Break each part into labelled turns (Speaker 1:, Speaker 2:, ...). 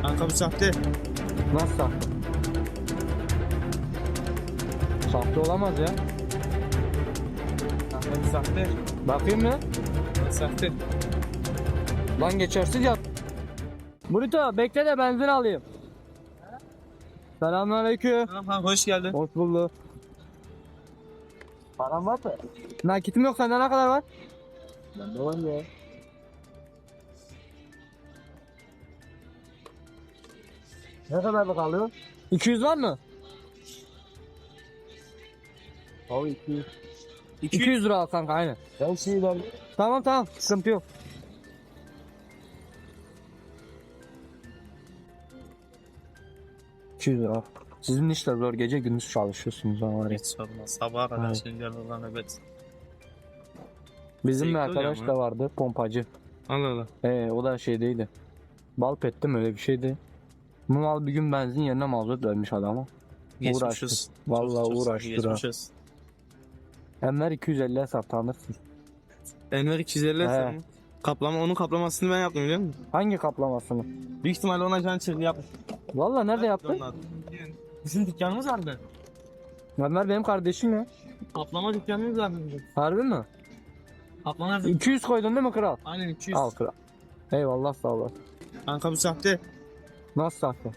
Speaker 1: Kanka bu sahte.
Speaker 2: Nasıl sahte? Sahte olamaz ya.
Speaker 1: Kanka bu sahte.
Speaker 2: Bakayım mı?
Speaker 1: Sahte.
Speaker 2: Lan geçersiz ya. Burito bekle de benzin alayım. Selamünaleyküm.
Speaker 1: Tamam kanka hoş geldin.
Speaker 2: Hoş bulduk.
Speaker 3: Param var mı?
Speaker 2: Nakitim yok, sende ne kadar var?
Speaker 3: Bende var ya. Ne kadar kalıyor?
Speaker 2: 200 var mı?
Speaker 3: Abi 200.
Speaker 2: 200 lira al kanka, aynen.
Speaker 3: Ben şeyi ben.
Speaker 2: Tamam tamam, sıkıntı yok. $200. Sizin işler zor, gece gündüz çalışıyorsunuz ama var ya.
Speaker 1: Hiç sorma. Sabaha kadar
Speaker 2: Evet.
Speaker 1: şey gel evet.
Speaker 2: Bizim bir
Speaker 1: Zevkli oluyor
Speaker 2: arkadaş
Speaker 1: ama.
Speaker 2: da vardı, pompacı.
Speaker 1: Allah Allah.
Speaker 2: O da şeydeydi. Balpet'te mi öyle bir şeydi. Bu mal bir gün benzin yerine mazot vermiş adama.
Speaker 1: Geçmişiz.
Speaker 2: Vallahi
Speaker 1: Çok
Speaker 2: uğraştı ha.
Speaker 1: geçmişiz.
Speaker 2: Enver 250'ye sat, tanırsın.
Speaker 1: Enver 250
Speaker 2: He.
Speaker 1: sen mi? Kaplama, onun kaplamasını ben yaptım biliyor musun?
Speaker 2: Hangi kaplamasını?
Speaker 1: Büyük ihtimalle ona can çırpı yapmış.
Speaker 2: Vallahi nerede yaptın?
Speaker 1: Bizim dükkanımız vardı.
Speaker 2: Enver benim kardeşim ya.
Speaker 1: Kaplama dükkanımız vardı bizim.
Speaker 2: Harbi mi?
Speaker 1: Kaplama
Speaker 2: 200 koydun değil mi kral?
Speaker 1: aynen 200.
Speaker 2: Al kral. Eyvallah, sağ ol.
Speaker 1: Kanka bu sahte.
Speaker 2: Nasıl sahte?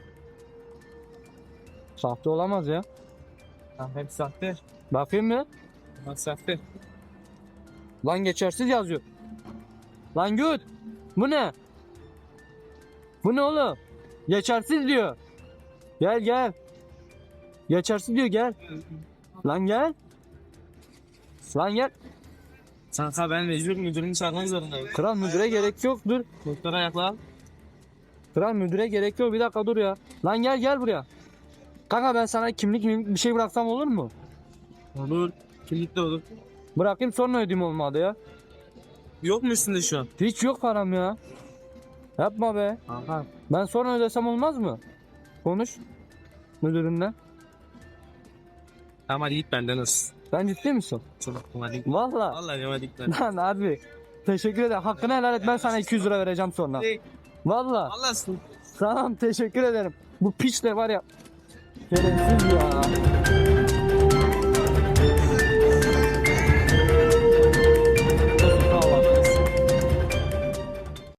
Speaker 2: Sahte olamaz ya.
Speaker 1: Kanka hep sahte.
Speaker 2: Bakayım mı?
Speaker 1: Bak sahte.
Speaker 2: Lan geçersiz yazıyor. Lan güt. Bu ne? Bu ne oğlum? Geçersiz diyor. Gel gel. Geçersiz diyor, gel. Lan gel. Lan gel.
Speaker 1: Kanka ben mecbur müdürünü çağırmak zorundayım.
Speaker 2: Kral müdüre gerek yok, dur.
Speaker 1: Doktora ayakla.
Speaker 2: Kral müdüre gerek yok, bir dakika dur ya. Lan gel gel buraya. Kanka ben sana kimlik bir şey bıraksam olur mu?
Speaker 1: Olur. Kimlik de olur.
Speaker 2: Bırakayım sonra ödeyeyim, olmadı ya.
Speaker 1: Yok mu üstünde şu an?
Speaker 2: Hiç yok param ya. Yapma be.
Speaker 1: Kanka.
Speaker 2: Ben sonra ödesem olmaz mı? Konuş müdürünle.
Speaker 1: Tamam hadi git benden olsun.
Speaker 2: Sen ciddi misin?
Speaker 1: Tamam hadi.
Speaker 2: Valla.
Speaker 1: Vallahi hadi git benden.
Speaker 2: Lan abi. Teşekkür ederim. Hakkını helal et, ben sana 200 lira vereceğim sonra. Valla.
Speaker 1: Vallahi
Speaker 2: Tamam, teşekkür ederim. Bu piç de var ya. Şerefsiz ya.